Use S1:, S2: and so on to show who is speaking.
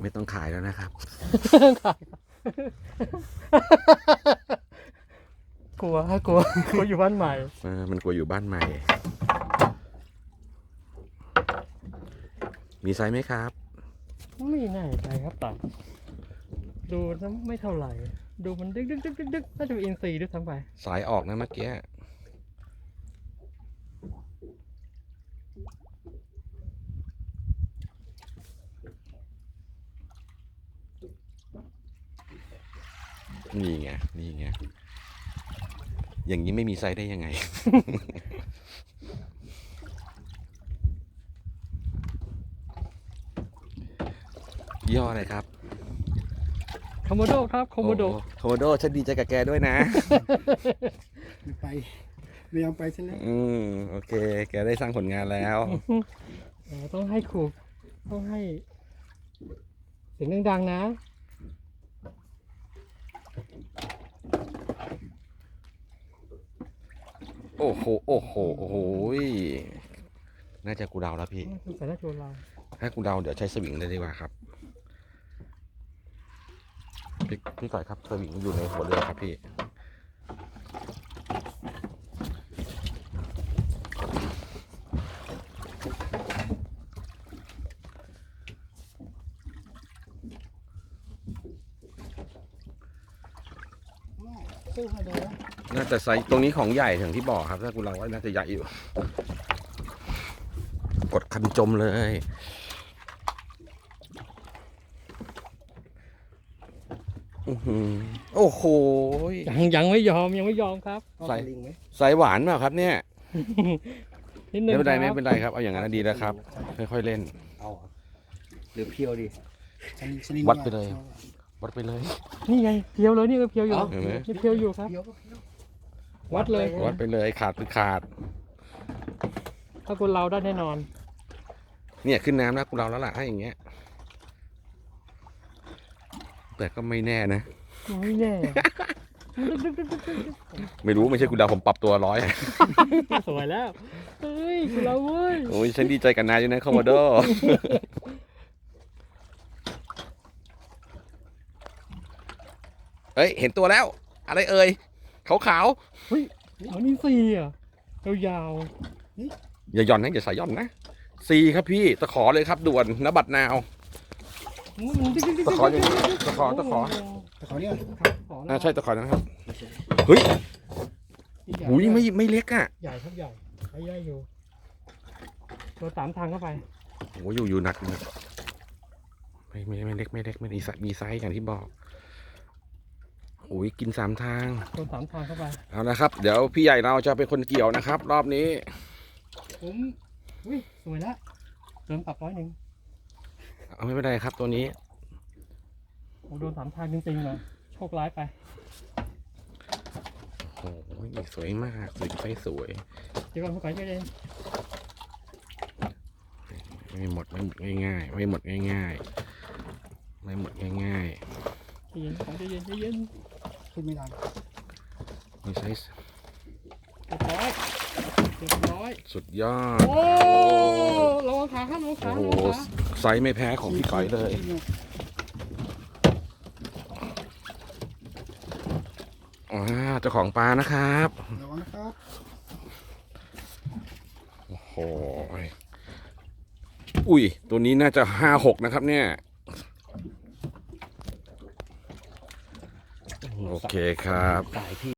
S1: ไม่ต้องขายแล้วนะครับ
S2: กลัวอยู่บ้านใหม่
S1: มันกลัวอยู่บ้านใหม่ มีไซส์ไหมครับ
S2: ไม่แน่ใจครับแต่ดูแล้วไม่เท่าไหร่ ดูมันดึกน่าจะเป็นอินทรีด้วยทั้งไป
S1: สายออกนะเมื่อกี้นี่ไงอย่างนี้ไม่มีไซส์ได้ยังไง ย่ออะไรครับ
S2: โคโมโดครับโคโมโด
S1: โคโมโดฉันดีใจกับแกด้วยนะ
S3: ไม่ไปไม่ยอมไปใช่ไหม
S1: โอเค แกได้สร้างผลงานแล้ว
S2: ต้องให้ครูต้องให้เสียงดังๆนะ
S1: โอ้โหน่าจะกูเดาแล้วพี่
S2: คุณสายหน้าโจรเรา
S1: ถ้ากูเดาเดี๋ยวใช้สวิงเลยดีกว่าครับ พี่ต่อยครับสวิงอยู่ในหัวเรือครับพี่
S3: สู้เขาเลย
S1: น่าจะไซส์ตรงนี้ของใหญ่ถึงที่บอกครับ ถ้ากูเดาว่าน่าจะใหญ่อยู่ กดคันจมเลยโอ้โห
S2: ยังไม่ยอมครับ
S1: ใส่
S3: ลิงไหม
S1: ไซส์หวานเปล่าครับเนี่ย
S2: นิดนึง
S1: ไม่เป็นไร
S2: ครับ
S1: เอาอย่างนั้นดีแล้วครับ ค่อยๆเล่น
S3: เอาหรือเพียวดิ
S1: วัดไปเลย วัดไปเลย
S2: นี่ไงเพียวเลยนี่ก็เพียวอยู่
S1: เห็นไหม
S2: นี่เพียวอยู่ครับ
S3: เพียวก็เพียว
S2: วัดเลย
S1: วัดไปเลยขาดคือขาด
S2: ถ้าคนเราได้แน่นอน
S1: เนี่ยขึ้นน้ำแล้วกูเราแล้วล่ะให้อย่างเงี้ย แต่ก็ไม่แน่นะ
S2: ไม่แน่
S1: ไม่รู้ไม่ใช่กูเดาผมปรับตัวร้อย
S2: สวยแล้วเฮ้ยคุณเราเว้ย
S1: โอ้ยฉันดีใจกับนายอยู่นะคอมโมโด เฮ้ยเห็นตัวแล้ว อะไรเอ่ยขาว
S2: เฮ้ยอันนี้สี่อ่ะยาว
S1: ๆอย่าหย่อนนะอย่าสายหย่อนนะซีครับพี่ตะขอเลยครับด่วนนบัดนาว ตะขออย่างนี้ตะขอ
S3: แต่เขาเนี่ย
S1: ใช่ตะขอนะครับเฮ้ยหุยไม่เล็กอ่ะ
S2: ใหญ่ครับใหญ่ใหญ่อยู่ตัวสามทางเข้าไป
S1: โอ้ยอยู่หนักนะไม่เล็กไม่มีไซส์อย่างที่บอกโอ้ยกินสามทาง
S2: ตัวสามทางเข้าไป
S1: เอานะครับ เดี๋ยวพี่ใหญ่เราจะเป็นคนเกี่ยวนะครับ รอบนี้
S2: ผมอุ้ยสวยแล้วเติมปรับ100
S1: เอาไม่เป็นไรครับตัวนี้
S2: โอ้โดนสามทางจริงๆเลยโชคร้ายไป
S1: โอ้ยสวยมากสวย
S2: เดี๋ยวก่อนผู้ก่อยใจเย็น
S1: ไม่หมดง่ายๆไม่หมดง่าย
S2: ใจเย็น
S3: ขึ้นไม่ได้
S1: ไม่ใช่
S2: เรียบร้อย
S1: สุดยอด
S2: โอ้ระวังขาครับระวังขา
S1: โอ้
S2: ระ
S1: โห
S2: วังขา
S1: ไซส์ไม่แพ้ของพี่ก้อยเลยเจ้าของปลานะครับ
S3: ระวังนะครับ
S1: โอ้โหอุ้ยตัวนี้น่าจะ5-6นะครับเนี่ยโอเคครับ
S3: สายพี่